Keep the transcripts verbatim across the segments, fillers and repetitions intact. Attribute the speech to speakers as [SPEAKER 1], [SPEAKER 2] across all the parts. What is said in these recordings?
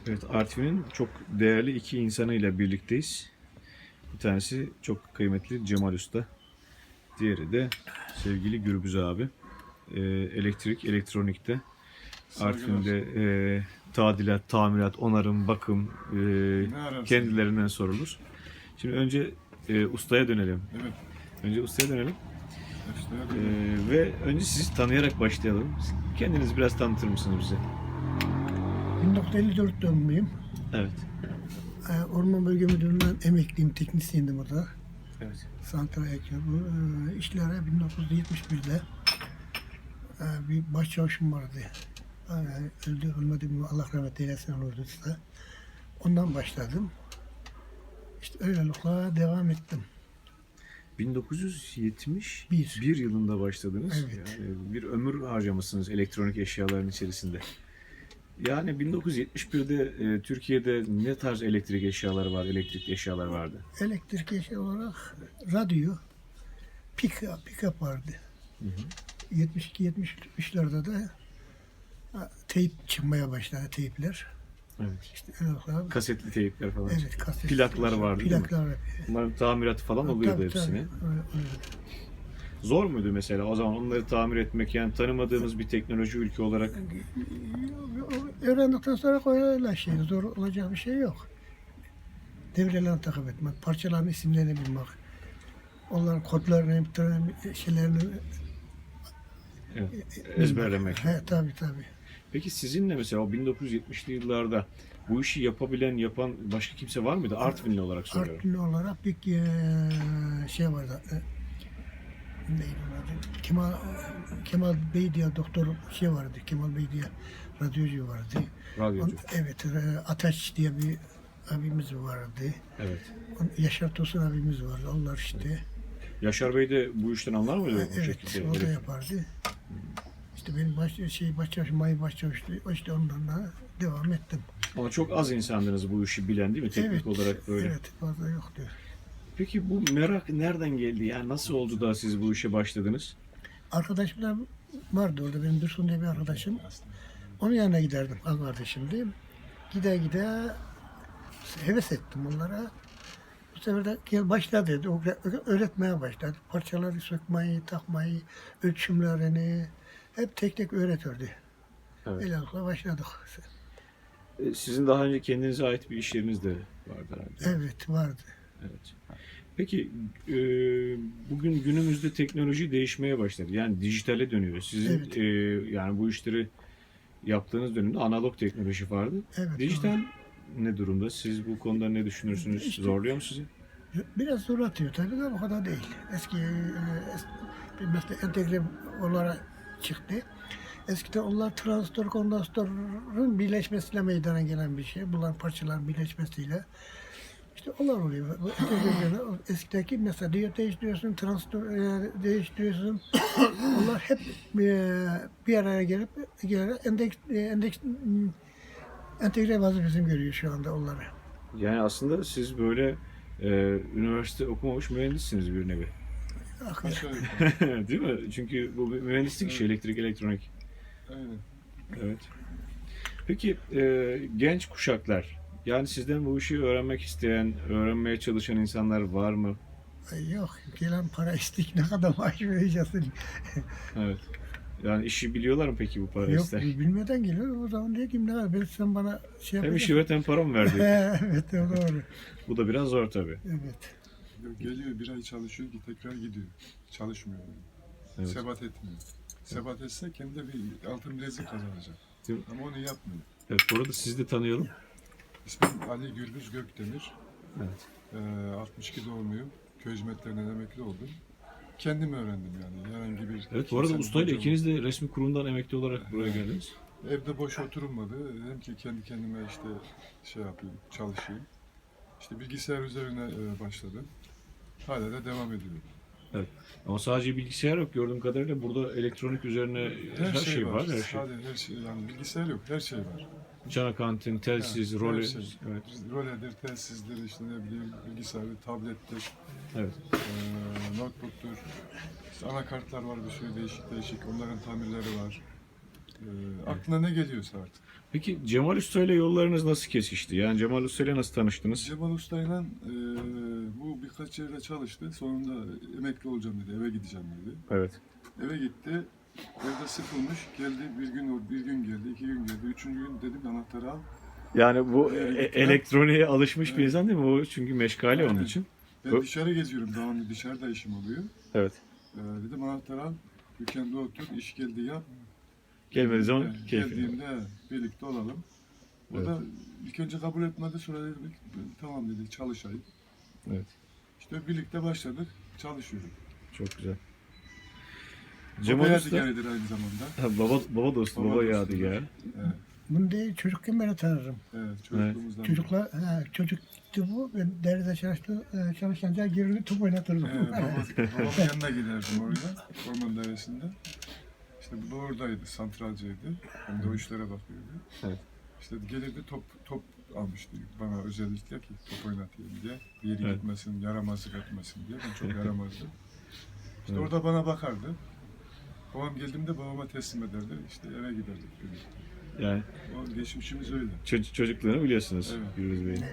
[SPEAKER 1] Evet, Artvin'in çok değerli iki insanıyla birlikteyiz. Bir tanesi çok kıymetli Cemal Usta. Diğeri de sevgili Gürbüz abi. Ee, elektrik, elektronikte. Artvin'de e, tadilat, tamirat, onarım, bakım e, kendilerinden sorulur. Şimdi önce e, ustaya dönelim.
[SPEAKER 2] Evet.
[SPEAKER 1] Önce ustaya dönelim.
[SPEAKER 2] Ustaya
[SPEAKER 1] Ee,
[SPEAKER 2] dönelim.
[SPEAKER 1] ve önce sizi tanıyarak başlayalım. Kendinizi biraz tanıtır mısınız bize?
[SPEAKER 3] bin dokuz yüz elli dört doğumluyum.
[SPEAKER 1] Evet.
[SPEAKER 3] Ee, Orman Bölge Müdürlüğü'nden emekliyim, teknisyendim orada.
[SPEAKER 1] Evet.
[SPEAKER 3] Santral Ekrem. Ee, işlere bin dokuz yüz yetmiş birde e, bir başçavuşum vardı. Yani öldü, ölmedi mi Allah rahmet eylesin olurdu işte. Ondan başladım. İşte öylelikle devam ettim.
[SPEAKER 1] bin dokuz yüz yetmiş
[SPEAKER 3] Bir.
[SPEAKER 1] bir yılında başladınız.
[SPEAKER 3] Evet.
[SPEAKER 1] Yani bir ömür harcamışsınız elektronik eşyaların içerisinde. Yani bin dokuz yüz yetmiş birde e, Türkiye'de ne tarz elektrik eşyaları var, elektrikli eşyalar vardı?
[SPEAKER 3] Elektrik eşya olarak radyo, pick-up, pick-up vardı. yetmiş iki yetmiş üçlerde de ha, teyp çıkmaya başladı, teypler.
[SPEAKER 1] Evet.
[SPEAKER 3] İşte öylelikle
[SPEAKER 1] Kasetli teypler falan.
[SPEAKER 3] evet, kaset.
[SPEAKER 1] Plaklar vardı değil mi?
[SPEAKER 3] Plaklar.
[SPEAKER 1] Bunların tamiratı falan oluyordu
[SPEAKER 3] Tabii,
[SPEAKER 1] hepsini.
[SPEAKER 3] tabii. Öyle, öyle.
[SPEAKER 1] Zor muydu mesela o zaman onları tamir etmek, yani tanımadığımız bir teknoloji ülke olarak?
[SPEAKER 3] Öğrendikten sonra öyle şey, zor olacak bir şey yok. Devrelerini takip etmek, parçaların isimlerini bilmek, onların kodlarını, şeylerini
[SPEAKER 1] Evet. Ezberlemek.
[SPEAKER 3] He, tabii tabii.
[SPEAKER 1] Peki sizinle mesela o bin dokuz yüz yetmişli yıllarda bu işi yapabilen, yapan başka kimse var mıydı? Artvinli olarak soruyorum.
[SPEAKER 3] Artvinli olarak bir eee, şey vardı. e, Neydi onun adı? Kemal, Kemal Bey diye doktor şey vardı. Kemal Bey diye radyocu vardı.
[SPEAKER 1] Radyocu.
[SPEAKER 3] On- evet, e, Ataç diye bir abimiz vardı.
[SPEAKER 1] Evet.
[SPEAKER 3] On- Yaşar Tosun abimiz vardı. Onlar işte.
[SPEAKER 1] Yaşar Bey de bu işten anlar mıydı bu
[SPEAKER 3] Evet,
[SPEAKER 1] şekilde?
[SPEAKER 3] o da
[SPEAKER 1] Böyle-
[SPEAKER 3] yapardı. İşte benim baş, şey başçavuş, may başçavuştu. İşte ondan da devam ettim.
[SPEAKER 1] Ama çok az insandınız bu işi bilen değil mi? Teknik
[SPEAKER 3] evet,
[SPEAKER 1] olarak böyle.
[SPEAKER 3] Evet, fazla yoktu.
[SPEAKER 1] Peki bu merak nereden geldi? Yani nasıl oldu da siz bu işe başladınız?
[SPEAKER 3] Arkadaşımlar vardı orada. Benim Dursun diye bir arkadaşım. Onun yanına giderdim. Al kardeşimdi. Gide gide heves ettim onlara. Bu sefer de gel başla dedi. O öğretmeye başladı. Parçaları sökmeyi, takmayı, ölçümlerini hep tek tek öğretirdi.
[SPEAKER 1] Evet.
[SPEAKER 3] Öylelikle başladık.
[SPEAKER 1] E, Sizin daha önce kendinize ait bir iş yeriniz de vardı herhalde.
[SPEAKER 3] Evet, vardı.
[SPEAKER 1] Evet. Peki e, bugün günümüzde teknoloji değişmeye başladı. Yani dijitale dönüyor. Sizin
[SPEAKER 3] Evet.
[SPEAKER 1] e, yani bu işleri yaptığınız dönemde analog teknoloji vardı.
[SPEAKER 3] Evet,
[SPEAKER 1] Dijital ne durumda? Siz bu konuda ne düşünürsünüz?
[SPEAKER 3] İşte-
[SPEAKER 1] Zorluyor mu sizi?
[SPEAKER 3] Biraz zor atıyor tabii de o kadar değil. Eski e, es, bir mesela entegre olarak çıktı. Eskiden onlar transistör kondansatörün birleşmesiyle meydana gelen bir şey. Bunların parçaların birleşmesiyle. İşte onlar oluyor. Bu entegrelerle eskideki mesela diyot değiştiriyorsun, transistör e, değiştiriyorsun. Onlar hep e, bir araya gelip gelerek endeks, e, endeks, m, entegre vazifesini görüyor şu anda onları.
[SPEAKER 1] Yani aslında siz böyle e, üniversite okumamış mühendissiniz bir nevi.
[SPEAKER 2] Aşağı yukarı.
[SPEAKER 1] Değil mi? Çünkü bu bir mühendislik işi,
[SPEAKER 2] Evet.
[SPEAKER 1] elektrik, elektronik.
[SPEAKER 2] Aynen.
[SPEAKER 1] Evet. Peki e, genç kuşaklar, yani sizden bu işi öğrenmek isteyen, öğrenmeye çalışan insanlar var mı?
[SPEAKER 3] Ay yok, gelen para istik ne kadar maaş vereceksin?
[SPEAKER 1] Evet. Yani işi biliyorlar mı peki bu para
[SPEAKER 3] Yok,
[SPEAKER 1] ister?
[SPEAKER 3] bilmeden geliyor. O zaman diyor ki ne var? Ben sen bana şey
[SPEAKER 1] Hem
[SPEAKER 3] yapacaksın.
[SPEAKER 1] işi öğreten para mı verdi?
[SPEAKER 3] Evet, o doğru.
[SPEAKER 1] Bu da biraz zor tabii.
[SPEAKER 3] Evet.
[SPEAKER 2] Yok, geliyor bir ay çalışıyor ki tekrar gidiyor. Çalışmıyor. Yani.
[SPEAKER 1] Evet.
[SPEAKER 2] Sebat etmiyor. Sebat etse kendi bir altın bilezik kazanacak.
[SPEAKER 1] Değil mi?
[SPEAKER 2] Ama onu yapmıyor.
[SPEAKER 1] Evet, bu arada sizi de tanıyalım.
[SPEAKER 2] İsmim Ali Gürbüz Gökdemir.
[SPEAKER 1] Evet.
[SPEAKER 2] Ee, altmış iki doğumluyum. Köy hizmetlerinden emekli oldum. Kendim öğrendim yani. Herhangi bir...
[SPEAKER 1] Evet, bu arada
[SPEAKER 2] kimsenin
[SPEAKER 1] ustayla
[SPEAKER 2] hocam-
[SPEAKER 1] ikiniz de resmi kurumdan emekli olarak buraya geldiniz.
[SPEAKER 2] Evde boş oturulmadı. Dedim ki kendi kendime işte şey yapayım, çalışayım. İşte bilgisayar üzerine e, başladım. Hala da devam ediyorum.
[SPEAKER 1] Ama sadece bilgisayar yok, gördüğüm kadarıyla burada elektronik üzerine her, şey, var. Her şey.
[SPEAKER 2] Sadece her şey. Yani bilgisayar yok, her şey var.
[SPEAKER 1] Canakantin, telsiz,
[SPEAKER 2] Ha,
[SPEAKER 1] role.
[SPEAKER 2] her şey.
[SPEAKER 1] Evet.
[SPEAKER 2] Roledir, telsizdir, işte ne bileyim, bilgisayardır, tablettir,
[SPEAKER 1] Evet.
[SPEAKER 2] e, notebook'tur. İşte anakartlar var bir sürü değişik değişik. Onların tamirleri var. E, aklına ne geliyorsa artık.
[SPEAKER 1] Peki Cemal Usta ile yollarınız nasıl kesişti? Yani Cemal Usta ile nasıl tanıştınız?
[SPEAKER 2] Cemal Usta'yla e, bu birkaç yerde çalıştı. Sonunda emekli olacağım dedi, eve gideceğim dedi.
[SPEAKER 1] Evet.
[SPEAKER 2] Eve gitti, evde sıkılmış, geldi bir gün bir gün geldi, iki gün geldi, üçüncü gün dedim anahtarı al.
[SPEAKER 1] Yani bu
[SPEAKER 2] Evet,
[SPEAKER 1] e-
[SPEAKER 2] evet.
[SPEAKER 1] elektroniğe alışmış bir
[SPEAKER 2] Evet.
[SPEAKER 1] insan değil mi? O çünkü meşgale onun
[SPEAKER 2] Aynen.
[SPEAKER 1] için.
[SPEAKER 2] Ben
[SPEAKER 1] Bu-
[SPEAKER 2] dışarı geziyorum, devamlı dışarıda işim oluyor.
[SPEAKER 1] Evet.
[SPEAKER 2] E, dedim anahtarı al, dükkanda otur, iş geldi yap.
[SPEAKER 1] Gelmediği zaman
[SPEAKER 2] E,
[SPEAKER 1] keyfi.
[SPEAKER 2] Geldiğimde birlikte olalım. O
[SPEAKER 1] Evet.
[SPEAKER 2] da ilk önce kabul etmedi, sonra dedi tamam dedi çalışayım.
[SPEAKER 1] Evet.
[SPEAKER 2] İşte birlikte başladık, çalışıyoruz.
[SPEAKER 1] Çok güzel.
[SPEAKER 2] Cemal
[SPEAKER 1] Cemal
[SPEAKER 2] Usta
[SPEAKER 1] Usta
[SPEAKER 2] aynı zamanda.
[SPEAKER 1] ha, baba baba dostu,
[SPEAKER 2] Baba
[SPEAKER 1] baba,
[SPEAKER 2] dostu.
[SPEAKER 1] yadigar.
[SPEAKER 2] Evet,
[SPEAKER 3] Bunu değil, çocukken beri tanırım.
[SPEAKER 2] evet çocukluğumuzdan. beri.
[SPEAKER 3] Çocuklar, ha, çocuktu bu. Ben deride çalıştı, e, çalışınca girini top oynatırdım.
[SPEAKER 2] Evet, baba, babamın yanına giderdim oraya, orman dairesinde. İşte bu da oradaydı, santralcıydı. Hem de o işlere bakıyordu.
[SPEAKER 1] Evet.
[SPEAKER 2] İşte gelirdi top top almıştı bana özellikle ki top oynatayım diye. Bir yere
[SPEAKER 1] Evet.
[SPEAKER 2] gitmesin, yaramazlık etmesin diye. Ben çok yaramazdım. İşte
[SPEAKER 1] Evet.
[SPEAKER 2] orada bana bakardı. Babam geldiğimde babama teslim ederdi. İşte eve giderdik birlikte.
[SPEAKER 1] Yani
[SPEAKER 2] O geçmişimiz öyle.
[SPEAKER 1] çocuk çocukluğunu biliyorsunuz
[SPEAKER 2] Evet.
[SPEAKER 1] Gürbüz Bey'in.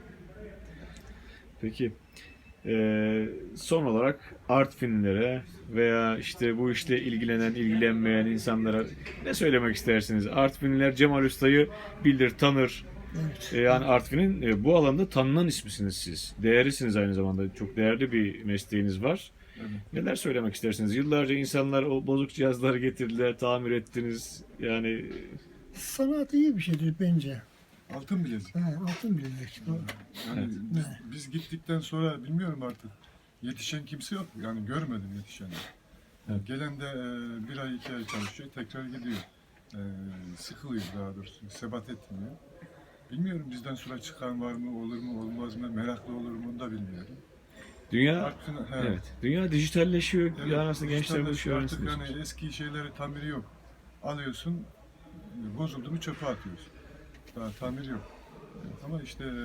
[SPEAKER 1] Peki eee, son olarak Artvinlilere veya işte bu işle ilgilenen, ilgilenmeyen insanlara ne söylemek istersiniz? Artvinliler Cemal Usta'yı bilir, tanır.
[SPEAKER 3] Evet.
[SPEAKER 1] E, Yani Artvin'in e, bu alanda tanınan ismisiniz siz. Değerlisiniz aynı zamanda. Çok değerli bir mesleğiniz var.
[SPEAKER 2] Evet.
[SPEAKER 1] Neler söylemek istersiniz? Yıllarca insanlar o bozuk cihazları getirdiler, tamir ettiniz. Yani
[SPEAKER 3] Sanat iyi bir şeydir bence.
[SPEAKER 2] Altın bilezik.
[SPEAKER 3] Ha, altın bilezik.
[SPEAKER 2] Yani
[SPEAKER 1] Evet.
[SPEAKER 2] biz, biz gittikten sonra bilmiyorum artık. Yetişen kimse yok. Yani görmedim yetişeni.
[SPEAKER 1] Evet.
[SPEAKER 2] Gelen de e, bir ay iki ay çalışıyor, tekrar gidiyor. E, sıkılıyor daha doğrusu, sebat etmiyor. Bilmiyorum bizden sonra çıkan var mı, olur mu, olmaz mı, meraklı olur mu onu da bilmiyorum.
[SPEAKER 1] dünya
[SPEAKER 2] Artık, he,
[SPEAKER 1] evet, dünya dijitalleşiyor.
[SPEAKER 2] evet,
[SPEAKER 1] Yani aslında gençler bu işi
[SPEAKER 2] dijitalleşiyor. Artık
[SPEAKER 1] öğrensin.
[SPEAKER 2] yani eski şeyleri tamiri yok. Alıyorsun, bozuldu mu çöpe atıyorsun. Daha tamir yok. Ama işte e,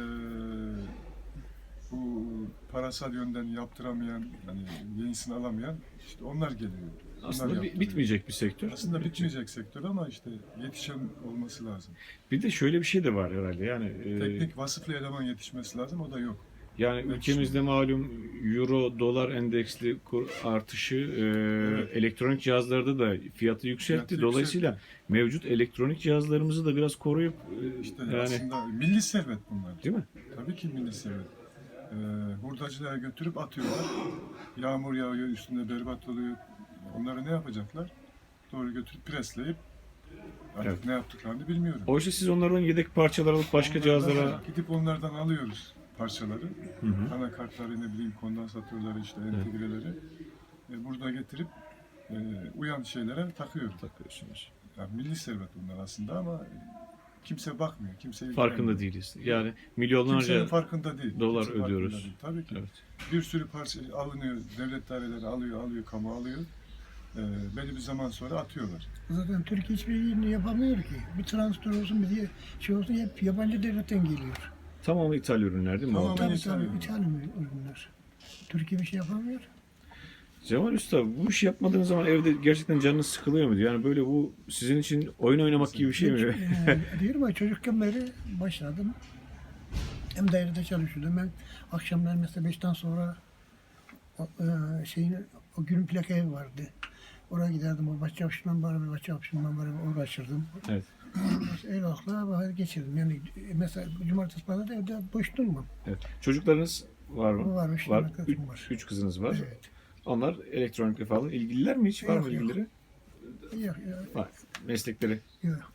[SPEAKER 2] bu parasal yönden yaptıramayan, yani yenisini alamayan işte onlar geliyor. Onlar
[SPEAKER 1] Aslında bi-
[SPEAKER 2] yaptırıyor.
[SPEAKER 1] bitmeyecek bir sektör.
[SPEAKER 2] Aslında bitmeyecek sektör ama işte yetişen olması lazım.
[SPEAKER 1] Bir de şöyle bir şey de var herhalde. Yani e,
[SPEAKER 2] Teknik vasıflı eleman yetişmesi lazım, o da yok.
[SPEAKER 1] yani ülkemizde malum euro dolar endeksli kur artışı e,
[SPEAKER 2] Evet.
[SPEAKER 1] elektronik cihazlarda da fiyatı yükseltti.
[SPEAKER 2] Fiyatı
[SPEAKER 1] Dolayısıyla
[SPEAKER 2] yükseltti.
[SPEAKER 1] mevcut elektronik cihazlarımızı da biraz koruyup e,
[SPEAKER 2] İşte
[SPEAKER 1] yani
[SPEAKER 2] aslında milli servet bunlar.
[SPEAKER 1] değil mi?
[SPEAKER 2] Tabii ki milli servet. Ee, hurdacılara götürüp atıyorlar. Yağmur yağıyor, üstünde berbat oluyor. Onları ne yapacaklar? Doğru götürüp presleyip artık
[SPEAKER 1] Evet.
[SPEAKER 2] ne yaptıklarını bilmiyorum.
[SPEAKER 1] Oysa siz onlardan yedek parçalar alıp başka
[SPEAKER 2] Onlardan-
[SPEAKER 1] cihazlara
[SPEAKER 2] gidip onlardan alıyoruz parçaları.
[SPEAKER 1] Hı hı.
[SPEAKER 2] Anakartları, ne bileyim kondansatörleri, işte entegreleri. E, burada getirip e, uyan şeylere takıyoruz.
[SPEAKER 1] takıyorsunuz.
[SPEAKER 2] Yani milli servet bunlar aslında ama kimse bakmıyor, kimse
[SPEAKER 1] Farkında
[SPEAKER 2] ilgilenmiyor.
[SPEAKER 1] değiliz. Yani
[SPEAKER 2] Kimsenin
[SPEAKER 1] milyonlarca
[SPEAKER 2] farkında değil.
[SPEAKER 1] dolar
[SPEAKER 2] Kimse farkında
[SPEAKER 1] ödüyoruz.
[SPEAKER 2] değil. Tabii ki.
[SPEAKER 1] evet.
[SPEAKER 2] Bir sürü parça alınıyor, devlet daireleri alıyor, alıyor, kamu alıyor. E, belli bir zaman sonra atıyorlar.
[SPEAKER 3] Zaten Türkiye hiçbir yerini yapamıyor ki. Bir transfer olsun, bir diye şey olsun hep yabancı devletten geliyor.
[SPEAKER 1] Tamamı ithal ürünler değil mi?
[SPEAKER 2] Tamam.
[SPEAKER 1] abi?
[SPEAKER 2] Ama
[SPEAKER 3] Tabii
[SPEAKER 2] İtalya.
[SPEAKER 3] tabii İtalyan ürünler. Türkiye bir şey yapamıyor.
[SPEAKER 1] Cemal Usta bu işi yapmadığınız zaman evde gerçekten canınız sıkılıyor mu? Yani böyle bu sizin için oyun oynamak gibi bir şey mi?
[SPEAKER 3] Yani diyorum ya çocukken beri başladım. Hem dairede çalışıyordum. Ben akşamlar mesela beşten sonra o, e, şeyin, o günün plaka evi vardı. Oraya giderdim. O bahçe yapışından bari, bahçe yapışından bari uğraşırdım.
[SPEAKER 1] Evet.
[SPEAKER 3] Öyle akla vakit geçirdim. Yani mesela cumartesi pazar da evde boş durmam.
[SPEAKER 1] Evet. Çocuklarınız var mı?
[SPEAKER 3] Var, üç
[SPEAKER 1] var.
[SPEAKER 3] tane kızım
[SPEAKER 1] Üç,
[SPEAKER 3] var.
[SPEAKER 1] üç kızınız var.
[SPEAKER 3] Evet.
[SPEAKER 1] Onlar elektronikle falan ilgililer mi hiç? Var mı
[SPEAKER 3] Yok, yok.
[SPEAKER 1] ilgileri?
[SPEAKER 3] Yok, yok,
[SPEAKER 1] Var. Meslekleri.
[SPEAKER 3] yok.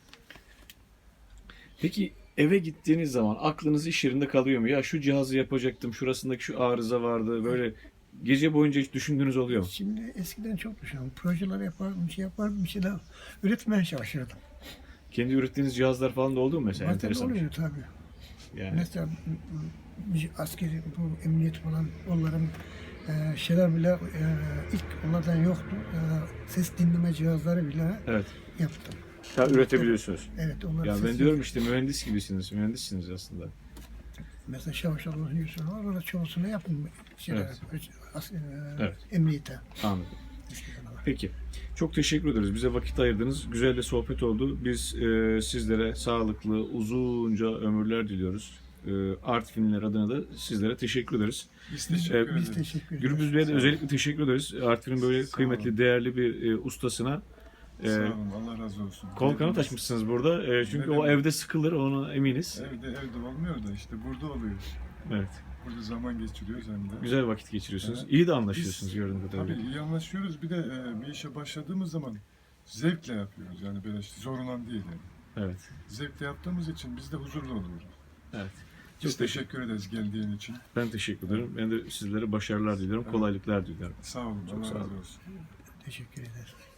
[SPEAKER 1] Peki eve gittiğiniz zaman aklınız iş yerinde kalıyor mu? Ya şu cihazı yapacaktım, şurasındaki şu arıza vardı. Böyle gece boyunca hiç düşündüğünüz oluyor mu?
[SPEAKER 3] Şimdi eskiden çok düşünüyorum. Projeler yapardım, bir şey yapardım, bir şeyler üretmeye çalışırdım.
[SPEAKER 1] Kendi ürettiğiniz cihazlar falan da oldu mu mesela?
[SPEAKER 3] Zaten
[SPEAKER 1] Enteresan bir şey.
[SPEAKER 3] oluyor tabii.
[SPEAKER 1] Yani
[SPEAKER 3] Mesela bir askeri, bu emniyet falan onların e, şeyler bile e, ilk onlardan yoktu. E, ses dinleme cihazları bile
[SPEAKER 1] evet.
[SPEAKER 3] yaptım.
[SPEAKER 1] Ya üretebiliyorsunuz.
[SPEAKER 3] Evet, onlar
[SPEAKER 1] Ya ben
[SPEAKER 3] ses-
[SPEAKER 1] diyorum işte mühendis gibisiniz. Mühendissiniz aslında.
[SPEAKER 3] Mesela Şavaş Allah'ın yüzünü var, orada çoğusunu yaptım. Şeyler, as- e,
[SPEAKER 1] Evet.
[SPEAKER 3] emniyete.
[SPEAKER 1] Anladım.
[SPEAKER 3] Eskiden ama.
[SPEAKER 1] Peki. Çok teşekkür ederiz. Bize vakit ayırdınız. Güzel de sohbet oldu. Biz e, sizlere sağlıklı, uzunca ömürler diliyoruz. E, Artvinliler adına da sizlere teşekkür ederiz.
[SPEAKER 2] Biz teşekkür
[SPEAKER 1] Ee,
[SPEAKER 2] ederiz.
[SPEAKER 3] Biz teşekkür ederiz.
[SPEAKER 1] Gürbüz Bey'e de
[SPEAKER 2] Sağ olun.
[SPEAKER 1] özellikle teşekkür ederiz. Artvin'in böyle
[SPEAKER 2] Sağ
[SPEAKER 1] kıymetli,
[SPEAKER 2] olun.
[SPEAKER 1] değerli bir e, ustasına e,
[SPEAKER 2] Sağ olun. Allah razı olsun.
[SPEAKER 1] kol kanat
[SPEAKER 2] Evimiz-
[SPEAKER 1] açmışsınız burada. E, çünkü
[SPEAKER 2] Ne
[SPEAKER 1] o
[SPEAKER 2] demek?
[SPEAKER 1] evde sıkılır, ona eminiz.
[SPEAKER 2] Evde evde olmuyor da işte burada oluyor.
[SPEAKER 1] Evet.
[SPEAKER 2] Burada zaman geçiriyoruz hem de.
[SPEAKER 1] Güzel vakit geçiriyorsunuz.
[SPEAKER 2] Evet.
[SPEAKER 1] İyi de anlaşıyorsunuz
[SPEAKER 2] Biz-
[SPEAKER 1] gördüğüm kadarıyla.
[SPEAKER 2] Tabii iyi anlaşıyoruz. Bir de e, bir işe başladığımız zaman zevkle yapıyoruz. Yani böyle işte zorulan değil yani.
[SPEAKER 1] Evet.
[SPEAKER 2] Zevkle yaptığımız için biz de huzurlu oluyoruz.
[SPEAKER 1] Evet.
[SPEAKER 2] Biz
[SPEAKER 1] Çok teşekkür,
[SPEAKER 2] teşekkür ederiz geldiğin için.
[SPEAKER 1] ben teşekkür ederim. Ben de sizlere başarılar diliyorum,
[SPEAKER 2] Evet.
[SPEAKER 1] kolaylıklar diliyorum.
[SPEAKER 2] Sağ olun.
[SPEAKER 1] Çok
[SPEAKER 2] Allah
[SPEAKER 1] sağ
[SPEAKER 2] razı
[SPEAKER 1] olun.
[SPEAKER 2] olsun.
[SPEAKER 3] Teşekkür ederiz.